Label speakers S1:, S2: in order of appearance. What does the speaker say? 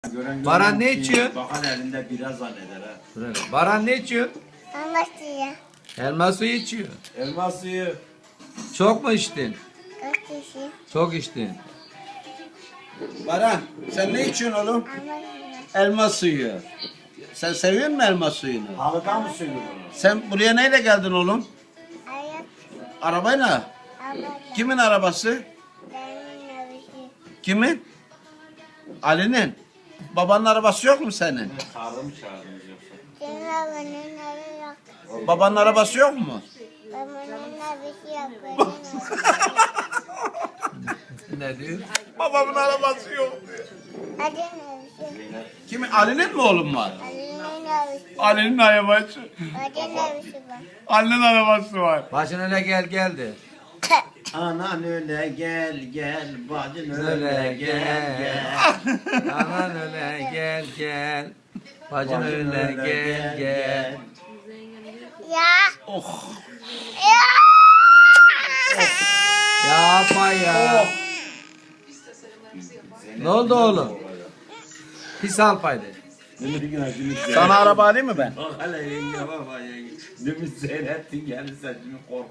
S1: Baran ne içiyor?
S2: Bakan elinde biraz zanneder ha.
S1: Baran ne içiyor?
S3: Ama suya.
S1: Elma suyu içiyor.
S2: Elma suyu.
S1: Çok mu içtin?
S3: Kaç kişi?
S1: Çok içtin.
S2: Baran sen ne içiyorsun oğlum?
S3: Ama suya.
S2: Elma suyu. Sen seviyor musun elma suyunu?
S4: Halıdan mı söylüyor bunu?
S2: Sen buraya neyle geldin oğlum?
S3: Ayak.
S2: Arabayla.
S3: Ama
S2: Kimin arabası?
S3: benim nabışı.
S2: Kimin? Ali'nin. Babanın arabası yok mu senin?
S4: Çağrı mı çağırdınız yoksa?
S3: Senin babanın nabışı yok.
S2: Babanın arabası yok mu?
S3: Babanın nabışı yok. Benim
S1: Ne diyor?
S2: Babamın arabası yok diyor.
S3: Hadi nabışı.
S2: Kimin? Ali'nin mi oğlum var?
S3: Ali'nin nabışı.
S2: Ali'nin arabası.
S3: Hadi nabışı var.
S2: Ali'nin arabası var.
S1: Başın öyle geldi.
S2: Anan öyle gel gel, bacın öyle
S1: Öyle
S2: gel gel.
S1: Aman öyle gel. Bacın öyle gel.
S3: Ya.
S2: Oh.
S3: Ya.
S1: Yapma ya. Ne oldu oğlum? Pis alpaydı.
S2: Sana araba alayım mı ben?
S4: Bak hele yenge baba yenge. Demin seyrettin geldi sen şimdi kork.